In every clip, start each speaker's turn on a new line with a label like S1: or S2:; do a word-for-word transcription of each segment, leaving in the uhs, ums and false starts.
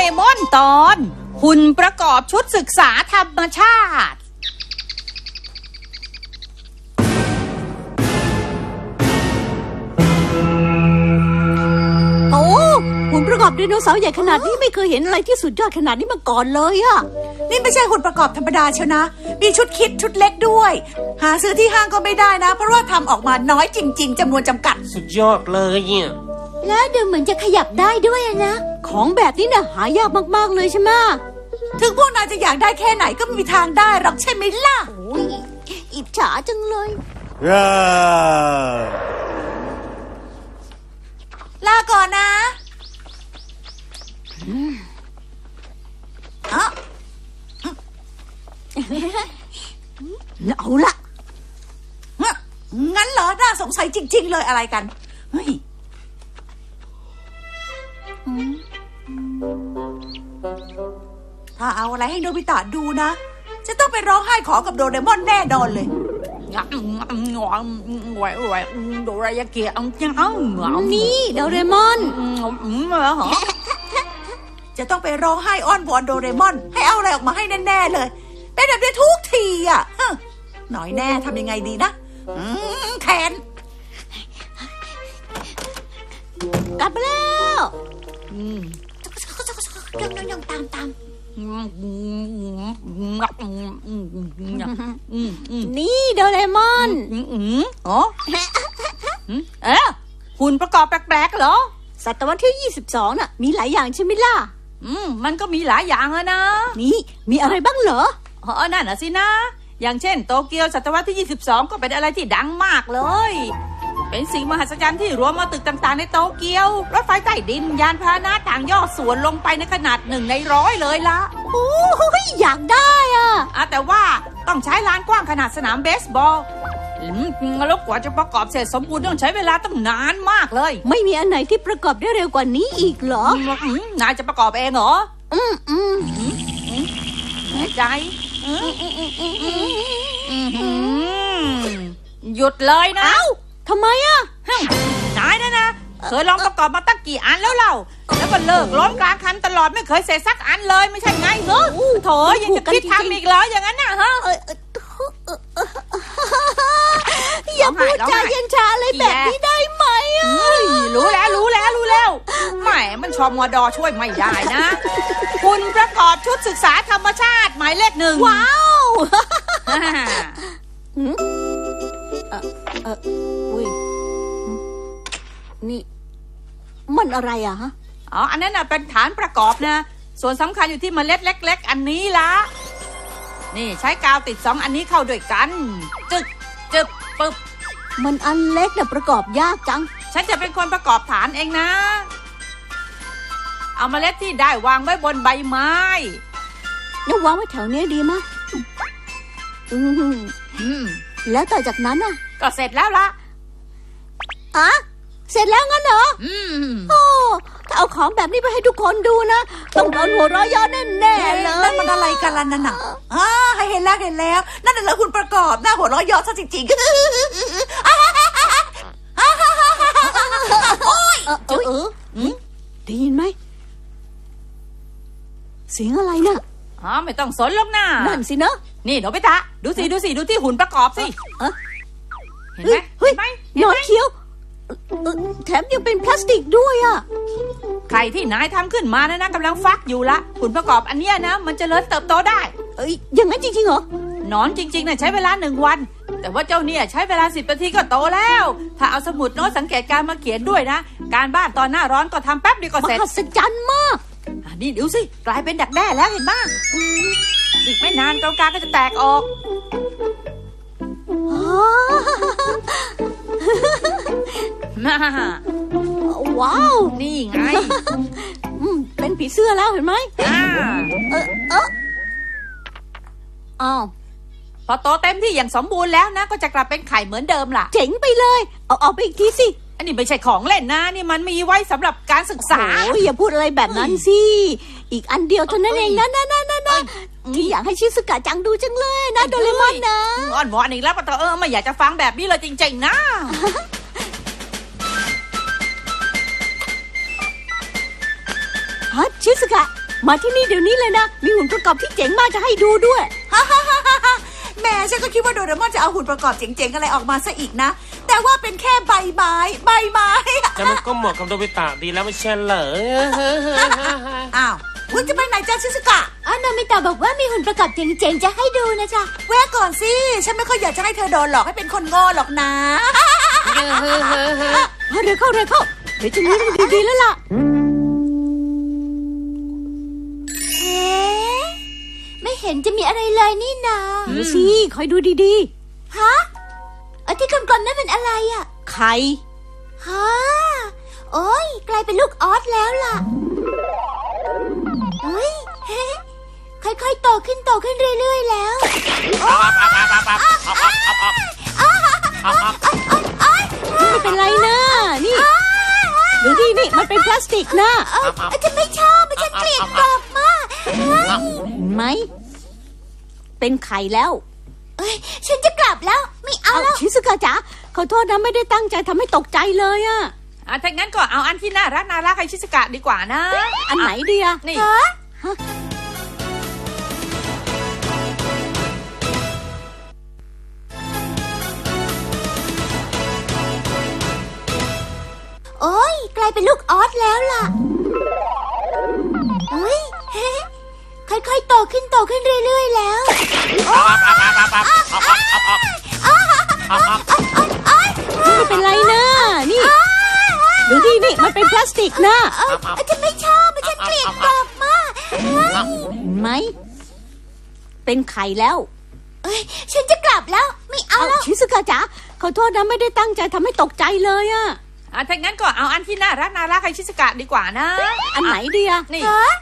S1: มอนตอนหุ่นประกอบชุดศึกษาธรรมชาติ
S2: โอ้หุ่นประกอบไดโนเสาร์ใหญ่ขนาดนี้ไม่เคยเห็นอะไรที่สุดยอดขนาดนี้มาก่อนเลยอะ
S3: นี่ไม่ใช่หุ่นประกอบธรรมดาเชียวนะมีชุดคิดชุดเล็กด้วยหาซื้อที่ห้างก็ไม่ได้นะเพราะว่าทำออกมาน้อยจริงๆจำนวนจำกัด
S4: สุดยอดเลยเนี่ย
S2: แล้วดูเหมือนจะขยับได้ด้วยนะของแบบนี้น่ะหายากมากๆเลยใช่ไหม
S3: ถึงพวกนายจะอยากได้แค่ไหนก็ไม่มีทางได้หรอกใช่ไหมล่ะ
S2: โอ้ยอิจฉาจังเลย
S3: ลาก่อนนะอ๋อ
S2: เอาละ
S3: งั้นเหรอน่าสงสัยจริงๆเลยอะไรกันเฮ้ยถ้าเอาอะไรให้โนบิตะดูนะจะต้องไปร้องไห้ขอกับโดเรมอนแน่นอนเลย
S1: โดรายาเกะ
S2: นี่โดเรมอน
S3: จะต้องไปร้องไห้อ้อนวอนโดเรมอนให้เอาอะไรออกมาให้แน่ๆเลยเป็นแบบนี้ทุกทีอ่ะหน่อยแน่ทำยังไงดีนะแขน
S2: กลับมาแล้ว
S3: ยังยังยังตามตาม
S2: นี่โดเรมอน
S1: อ๋อเอ๊ะหุ่นประกอบแปลกๆเหรอ
S2: ศตวรรษที่ยี่สิบสองน่ะมีหลายอย่างใช่ไหมล่ะ
S1: อืมมันก็มีหลายอย่างอะนะ
S2: นี่มีอะไรบ้างเหรอ
S1: อ๋อนั่นน่ะสินะอย่างเช่นโตเกียวศตวรรษที่ยี่สิบสองก็เป็นอะไรที่ดังมากเลยเป็นสิ่งมหัศจรรย์ที่รวมมาตึกต่างๆในโตเกียวรถไฟใต้ดินยานพาหนะต่างย่อส่วนลงไปในขนาดหนึ่งในร้อยเลยละ
S2: โอ้ยอยากได้อ่ะ
S1: อ่ะแต่ว่าต้องใช้ลานกว้างขนาดสนามเบสบอลแล้วกว่าจะประกอบเสร็จสมบูรณ์ต้องใช้เวลาตั้งนานมากเลย
S2: ไม่มีอันไหนที่ประกอบได้เร็วกว่านี้อีกเหร
S1: อนายจะประกอบเองเหรอ
S2: อืมอืม
S1: แน่ใจหยุดเลยนะ
S2: เอ้าทำไมอ่ะ
S1: นายนะนะเคยลองประกอบมาตั้งกี่อันแล้วเล่าแล้วก็เลิกล้มกลางคันตลอดไม่เคยเสร็จสักอันเลยไม่ใช่ไงเหรอโถยังจะคิดทำอีกเหรออย่างนั้นน่ะฮะ
S2: อย่าพูดจาเย็นชาอะไรแบบนี้ได้ไหมอ่ะ
S1: รู้แล้วรู้แล้วรู้แล้วแหมมันชมวดอช่วยไม่ได้นะคุณประกอบชุดศึกษาธรรมชาติหมายเลขหนึ่ง
S2: ว้าวเออเอออุ้ยนี่มันอะไรอะฮะ
S1: อ๋ออันนั้นน่ะเป็นฐานประกอบนะส่วนสำคัญอยู่ที่เมล็ดเล็กๆอันนี้ละนี่ใช้กาวติดสองอันนี้เข้าด้วยกันจึ๊กจึ๊บปึ๊บ
S2: มันอันเล็กแต่ประกอบยากจัง
S1: ฉันจะเป็นคนประกอบฐานเองนะเอาเมล็ดที่ได้วางไว้บนใบไม้
S2: แล้ววางไว้แถวนี้ดีมั้ยอืมแล้วต่อจากนั้นน่ะ
S1: ก็เสร็จแล้วละ
S2: อะเสร็จแล้วงั้นเหรอ
S1: อืม
S2: โอ้ถ้าเอาของแบบนี้ไปให้ทุกคนดูนะต้องโดนหัวเราะเยาะแน่ๆเลย
S3: นั่นมันอะไรกันล่ะนั่นน่ะอ่าเห็นแล้วเห็นแล้วนั่นน่ะเหรอคุณประกอบหน้าหัวเราะเยาะซะจริงๆโอ๊ย
S2: เออเออได้ยินไหมเสียงอะไรน่ะ
S1: อ๋อไม่ต้องสนหรอกนะ
S2: นั่นสิเนอะ
S1: นี่โนบิตะดูสิดูสิดูที่หุ่นประกอบสิเห็นไหม
S2: เฮ้ยหนอนเขียวแถมยังเป็นพลาสติกด้วยอ่ะ
S1: ไข่ที่นายทำขึ้นมานะนะกำลังฟักอยู่ละหุ่นประกอบอันเนี้ยนะมันจะเจริญเติบโตได้
S2: เอ้ยอย่างนั้นจริงๆเหรอ
S1: หนอนจริงๆนะใช้เวลาหนึ่งวันแต่ว่าเจ้าเนี่ยใช้เวลาสิบนาทีก็โตแล้วถ้าเอาสมุดโน้ตสังเกตการมาเขียนด้วยนะการบ้านตอนหน้าร้อนก็ทำแป๊บเดียวก็เสร็จ
S2: มหัศจรรย์มาก
S1: นี่ดูสิกลายเป็นดักแด้แล้วเห็นบ้างอีกไม่นานตรงกลางก็จะแตกออก
S2: ว้าว
S1: นี่ไง
S2: เป็นผีเสื้อแล้วเห็นไหม
S1: อ่า
S2: เออเอออ้าว
S1: พอโตเต็มที่อย่างสมบูรณ์แล้วนะก็จะกลับเป็นไข่เหมือนเดิมล่ะ
S2: เจ๋งไปเลยเอาเอาไปอีกทีสิ
S1: อันนี้ไม่ใช่ของเล่นนะนี่มันมีไว้สำหรับการศึกษา
S2: โอ้ยอย่าพูดอะไรแบบนั้นสิอีกอันเดียวเท่านั้นเองนะนะนะนะนะที่อยากให้ชิซุกะจังดูจังเลยนะโดเรมอนนะ
S1: อ่อนหวานอีกแล้วปะเตอเออไม่อยากจะฟังแบบนี้เลยจริงๆนะ
S2: ฮะชิซุกะมาที่นี่เดี๋ยวนี้เลยนะ มีหุ่นประกอบที่เจ๋งมากจะให้ดูด้วย
S3: แหม่ฉันก็คิดว่าโดเรมอนจะเอาหุ่นประกอบเจ๋งๆอะไรออกมาซะอีกนะ แต่ว่าเป็นแค่ใบไม้ใบไม้
S4: แต่มันก็เหมาะกับโดบิตะดีแล้วไม่ใช่เหรอ
S3: อ้าวคุณจะไปไหนจ้าชิซุกะ
S2: อ๋อโนมิตะบอกว่ามีหุ่นประกอบเจ๋งๆจะให้ดูนะจ๊ะ
S3: แวะก่อนสิ ฉันไม่ค่อยอยากจะให้เธอโดนหลอกให้เป็นคนโง่หรอกนะ
S2: เร็วเข้าเร็วเข้าเดี๋ยวจะรู้มันดีๆแล้วล่ะ
S5: เอ๊ะไม่เห็นจะมีอะไรเลยนี่นา
S2: เดี๋ยวสิคอยดูดี
S5: ฮะเออที่กลมๆนั่นเป็นอะไรอ่ะ
S2: ๆ ไข่
S5: ฮะโอ้ยกลายเป็นลูกออสแล้วล่ะเฮ้ย ค่อยๆโตขึ้นโตขึ้นเรื่อยๆแล้ว
S2: ไม่เป็นไรนะนี่ดูดินี่มันเป็นพลาสติกนะ
S5: เอ้ยฉันไม่ชอบฉันเกลียดกรอบมากเฮ้ย
S2: เห็นไหมเป็นไข่แล้ว
S5: เอ้ยฉันจะกลับแล้วไม่เอา
S2: เอา
S5: แล้ว
S2: ชิซุกะจ๋าขอโทษนะไม่ได้ตั้งใจทำให้ตกใจเลยอะ
S1: อ่ะถ้างั้นก็เอาอันที่น่ารักน่ารักให้ชิสกะดีกว่านะ
S2: อันไหนดีอะ
S1: นี่
S5: ฮะโอ้ยกลายเป็นลูกออสแล้วล่ะเฮ้ย ค่อยๆโตขึ้นโตขึ้นเรื่อยๆแล้ว
S2: ไม่เป็นไรนะนี่ดูดินี่มันเป็นพลาสติกนะ
S5: เอ้ยฉันไม่ชอบฉันเกลียดกรอบมากเฮ้ย
S2: เห็นไหมเป็นไข่แล้ว
S5: เอ้ยฉันจะกลับแล้วไม่เอา
S2: เอา
S5: แล้ว
S2: ชิซุกะจ๋าขอโทษนะไม่ได้ตั้งใจทำให้ตกใจเลยอะ
S1: อ่ะถ้างั้นก็เอาอันที่น่ารักน่ารักให้ชิสกะดีกว่านะ
S2: อันไหนดีอะ
S1: นี่
S5: ฮะ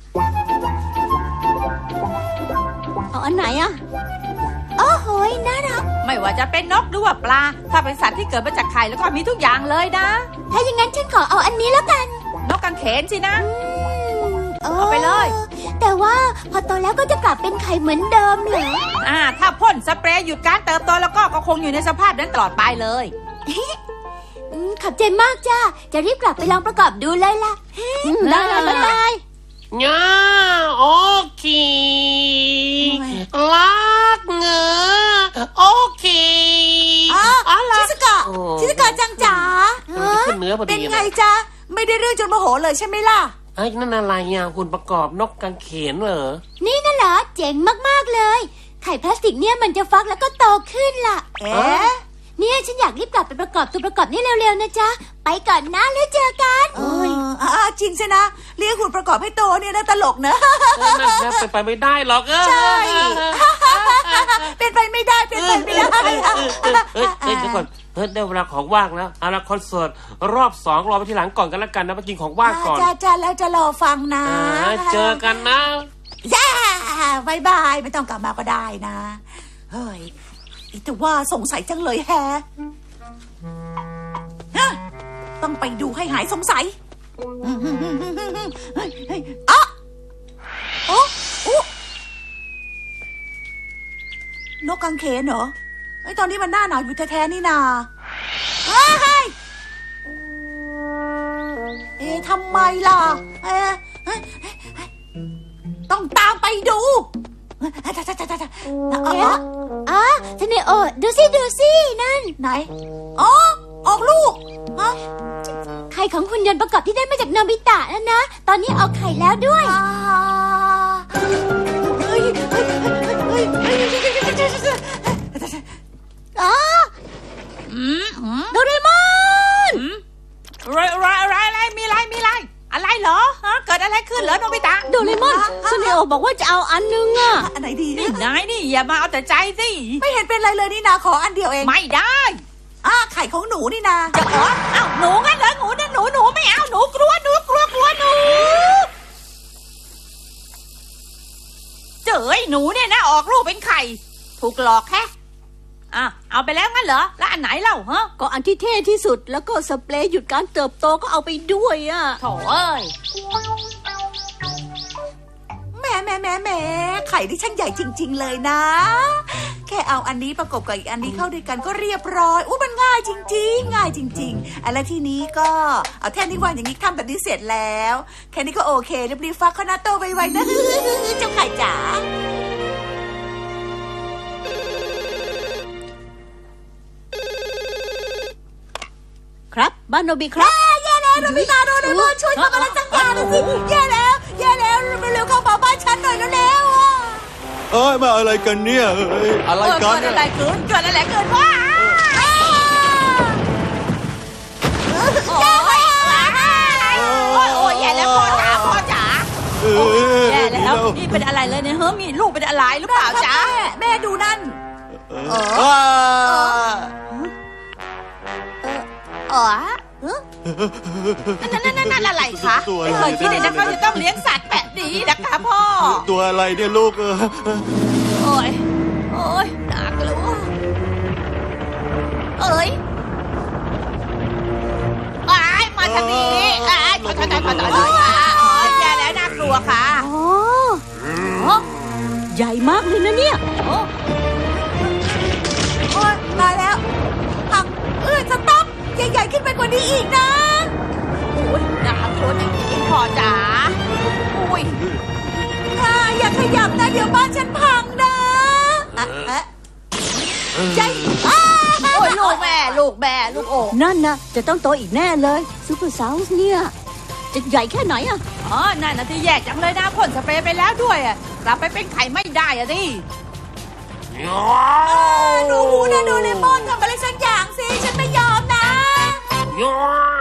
S2: เอาอันไหนอะ
S5: โอ้โหยน่ารัก
S1: ไม่ว่าจะเป็นนกหรือว่าปลา ถ้าเป็นสัตว์ที่เกิดมาจากไข่แล้วก็มีทุกอย่างเลยนะ
S5: ถ้าอย่างนั้นฉันขอเอาอันนี้แล้วกัน
S1: นกกังเขนสินะ
S5: โอ้
S1: เอาไปเลย
S5: แต่ว่าพอโตแล้วก็จะกลับเป็นไข่เหมือนเดิมเหรอ
S1: อ่า ถ้าพ่นสเปรย์หยุดการเติบโตแล้วก็ก็คงอยู่ในสภาพนั้นตลอดไปเลย
S5: อืมขอบใจมากจ้าจะรีบกลับไปลองประกอบดูเลยล่ะ
S2: อืมได้ได้ได้ได้
S4: ง่าโอเคลักเงอโอเค
S3: อ้าว
S4: อะไร
S3: ชิซุกะ
S4: โอ้
S3: ชิซุกะจังจ๋า
S4: ขึ้นเนื้อพอ
S3: เป็น
S4: ดี
S3: ไง
S4: เลย
S3: จ๊ะ ไม่ได้เรื่องจนโมโหเลยใช่ไหมล่ะ
S4: ไอ้นั่นอะไรอ่ะหุ่นประกอบนกกังเขนเหรอ
S5: นี่น่ะเหรอเจ๋งมากๆเลย ไข่พลาสติกเนี่ยมันจะฟักแล้วก็โตขึ้นล่ะ
S3: เอ๊ะ
S5: เนี่ยฉันอยากรีบกลับไปประกอบตัวประกอบนี่เร็วๆนะจ๊ะไปก่อนนะแล้วเจอกัน
S3: เอออ่าจริงใช่นะเลี้ยงหุ่นประกอบให้โตเนี่ยนะตลกเนอะ
S4: เออนั่นนะเป็นไปไม่ได้หรอกเออ
S3: ใช่ เป็นไปไม่ได้เป็นไปไม่ได้
S4: เฮ้ยเฮ้ยเฮ้ยเดี๋ยวก่อนเฮ้ยได้เวลาของว่างแล้วเอาละคอนเสิร์ตรอบสองรอไปทีหลังก่อนกันแล้วกันนะไปกินของว่างก่อน
S3: จ้าจ้าแล้วจะรอฟังนะ
S4: อ่าเจอกันนะ
S3: ย่าบายบายไม่ต้องกลับมาก็ได้นะ เฮ้ยแต่ว่าสงสัยจังเลยแฮะฮะต้องไปดูให้หายสงสัยเฮ้ยเฮ้ยอ๊ะโอ้โอ้นกกังเขนเหรอไอ้ยตอนนี้มันหน้าหนาวอยู่แท้ๆนี่นาเฮ้ยเอ๊ะทำไมล่ะเอ๊ะเฮ้ยเฮ้ยเฮ้ยต้องตามไปดูเอ๊ะจ้าจ้าจ้าจ้าอ๋อ
S5: อ๋อเซเนโอดูสิดูสินั่น
S3: ไหน อ๋อ ออกลูกฮะ
S5: ไข่ของหุ่นยนต์ประกอบที่ได้มาจากโนบิตะนั่นนะ ตอนนี้ออกไข่แล้วด้วย
S3: อ่าเฮ้ยเฮ้ยเฮ้ยเฮ้ยเฮ้ย
S2: อ๋อ
S1: อืมอืม
S2: โดเรมอน
S1: อืมอะไรอะไรอะไรอะไรมีอะไรมีอะไรอะไรเหรอฮะเกิดอะไรขึ้นเหรอโนบิตะ
S2: โดเรมอนซูเนโอบอกว่าจะเอาอันนึงอะ
S3: อันไหนดี
S1: นี่นายนี่อย่ามาเอาแต่ใจสิ
S3: ไม่เห็นเป็นไรเลยนี่นาขออันเดียวเอง
S1: ไม่ได้
S3: อ่าไข่ของหนูนี่นา
S1: จะขอเอ้าหนูงั้นเหรอหนูนะหนูหนูไม่เอาหนูกลัวหนูกลัวกลัวหนูเจ๋ยหนูเนี่ยนะออกลูกเป็นไข่ถูกหลอกแค่อ่ะเอาไปแล้วงั้นเหรอแล้วอันไหนเล่าฮะ
S2: ก็อันที่เท่ที่สุดแล้วก็สเปรย์หยุดการเติบโตก็เอาไปด้วยอะ
S1: โถเอ้ย
S3: แหม่แหม่แหม่แหม่ไข่ที่ช่างใหญ่จริง ๆ เลยนะ แค่เอาอันนี้ประกบกับอีกอันนี้เข้าด้วยกันก็เรียบร้อยอู้มันง่ายจริงๆ ง่ายจริงๆอะไรทีนี้ก็เอาแท่นี้วางอย่างนี้ทำแบบนี้เสร็จแล้วแค่นี้ก็โอเครีบๆฟักข้าวหน้าโตไวๆนะ เจ้าไข่จ๋า
S2: ครับบ้านโนบิครับ
S3: แย่แล้วโนบิตาโดเรมอนช่วยทำอะไรสักอย่างหน่อยสิแย่แล้วแย่แล้วเร็วๆเข้ามาบ้านฉันหน่อยเร็วๆอ่ะ
S6: เอ้ยมาอะไรกันเนี่ยเอ้ยอะไร
S1: เออ
S6: กัน
S1: เกิด
S6: เนี่ย
S1: อะไรขึ้นเกิดอะไรเกิดว่าโอ้ยโอ้ยโอ้ยแย่แล้วพ่อจ๋าพ่อจ๋า
S6: เอ้ย
S1: แย่แล้วนี่เป็นอะไรเลยเนี่ยเฮ้ยมีลูกเป็นอะไรหรือเปล่าจ๊ะ
S3: แม่แม่ดูนั่น
S6: อ้า
S1: อ๋อนั่นนั่นนั่นนั่นอะไรคะ
S6: ตัวอะ
S1: ไม่
S6: ไร
S1: เคยคิดเลยนะคะจะต้องเลี้ยงสัตว์แบบนี้นะคะพ่อ
S6: ตัวอะไรเนี่ยลูกเออ
S1: โอ้ย โอ้ยน่ากลัวเอ้ยอ้ายมาทางนี้อ้ายถอยถอยถอยถอยถอยถอยค่ะอ๋อแย่แล้วน่ากลัวค่ะ
S2: อ๋ออ๋อใหญ่มากเลยนะเนี่ย
S1: โอ้
S3: โอ๊ยตายแล้วหักเอ้ยสต๊อปใหญ่ๆขึ้นไปกว่านี้อีกนะ
S1: โอ้ยน่ากลัวจริงๆพ่อจ๋าอุ้ย
S3: ค่ะอย่าขยับนะเดี๋ยวบ้านฉันพังนะอ่ะอ่ะใจอ้า
S1: โอ้ยลูกแม่ลูกแม่ลูกโอ่
S2: นั่นนะจะต้องโตอีกแน่เลยซูเปอร์ซาวส์เนี่ย จะใหญ่แค่ไหนอะ
S1: อ๋อนั่นนะที่แย่จังเลยนะพ่นสเปรย์ไปแล้วด้วยอะกลับไปเป็นไข่ไม่ได้อะดิ
S3: หนูหูนะโดเรมอนทำอะไรสักอย่างสิฉันไม่ยอมนะ
S4: ย้อย